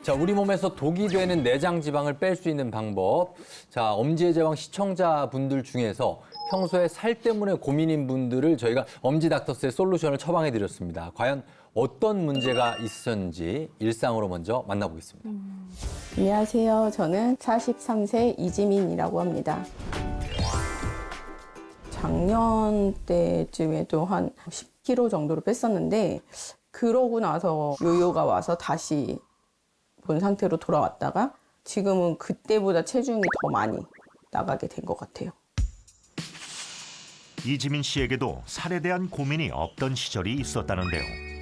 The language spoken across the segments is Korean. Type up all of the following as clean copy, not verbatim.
자, 우리 몸에서 독이 되는 내장 지방을 뺄 수 있는 방법. 자, 엄지의 제왕 시청자분들 중에서 평소에 살 때문에 고민인 분들을 저희가 엄지닥터스의 솔루션을 처방해 드렸습니다. 과연 어떤 문제가 있었는지 일상으로 먼저 만나보겠습니다. 안녕하세요. 저는 43세 이지민이라고 합니다. 작년 때쯤에도 한 10kg 정도로 뺐었는데 그러고 나서 요요가 와서 다시 본 상태로 돌아왔다가 지금은 그때보다 체중이 더 많이 나가게 된 것 같아요. 이지민 씨에게도 살에 대한 고민이 없던 시절이 있었다는데요.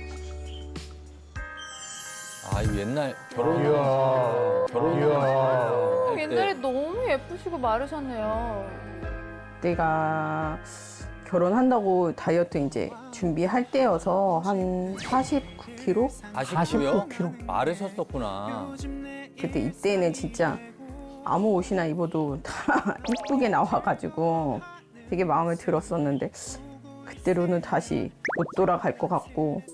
아, 이 옛날 결혼 옛날에 너무 예쁘시고 마르셨네요. 내가 결혼한다고 다이어트 이제 준비할 때여서 한 49kg? 49kg? 마르셨었구나. 그때 이때는 진짜 아무 옷이나 입어도 다 이쁘게 나와가지고 되게 마음에 들었었는데 그때로는 다시 못 돌아갈 것 같고.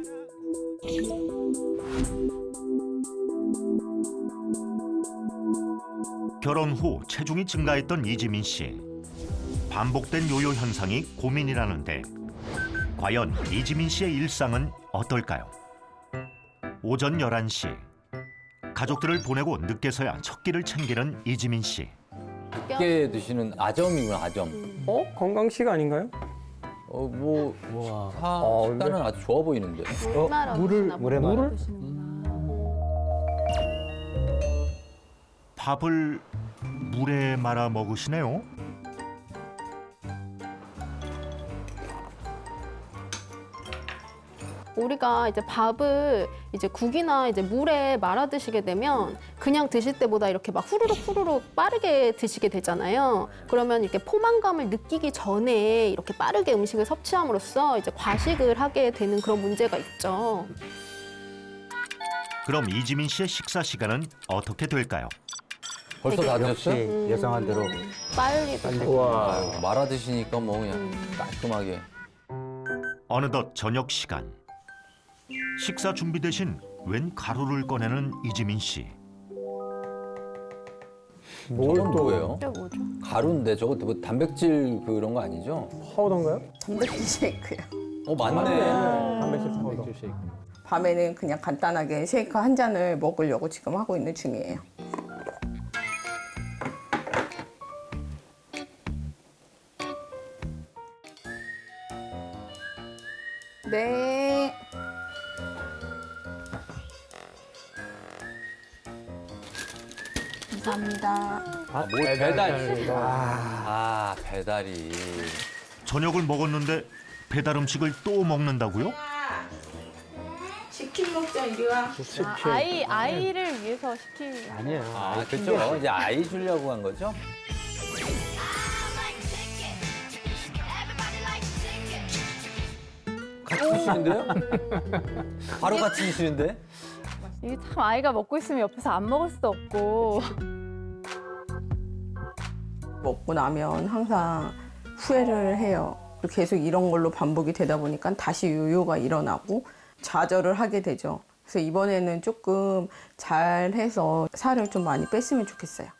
결혼 후 체중이 증가했던 이지민 씨. 반복된 요요 현상이 고민이라는데 과연 이지민 씨의 일상은 어떨까요? 오전 11시. 가족들을 보내고 늦게서야 첫 끼를 챙기는 이지민 씨. 늦게 드시는 아점이구나, 아점. 건강식 아닌가요? 뭐 근데- 식단은 아주 좋아 보이는데. 물에 말아. 밥을 물에 말아 먹으시네요. 우리가 이제 밥을 이제 국이나 이제 물에 말아 드시게 되면 그냥 드실 때보다 이렇게 막 후루룩 빠르게 드시게 되잖아요. 그러면 이렇게 포만감을 느끼기 전에 이렇게 빠르게 음식을 섭취함으로써 이제 과식을 하게 되는 그런 문제가 있죠. 그럼 이지민 씨의 식사 시간은 어떻게 될까요? 벌써 다 드셨어요? 예상한 대로. 빨리 드세요. 우와. 아유, 말아 드시니까 뭐 그냥 깔끔하게. 어느덧 저녁 시간. 식사 준비 대신 웬 가루를 꺼내는 이지민 씨. 저건 뭐예요? 이게 뭐죠? 가루인데 저거 뭐 단백질 그런 거 아니죠? 파우더인가요? 단백질 쉐이크요. 맞네. 단백질 파우더. 밤에는 그냥 간단하게 쉐이크 한 잔을 먹으려고 지금 하고 있는 중이에요. 네. 감사합니다. 뭘 배달. 배달이. 저녁을 먹었는데 배달 음식을 또 먹는다고요? 치킨 먹자, 이리 와. 아이를 위해서 시킨. 아니에요. 그렇죠. 이제 아이 주려고 한 거죠? 같이 드시는데요? 바로 같이 드시는데? 이게 참 아이가 먹고 있으면 옆에서 안 먹을 수도 없고. 먹고 나면 항상 후회를 해요. 그리고 계속 이런 걸로 반복이 되다 보니까 다시 요요가 일어나고 좌절을 하게 되죠. 그래서 이번에는 조금 잘해서 살을 좀 많이 뺐으면 좋겠어요.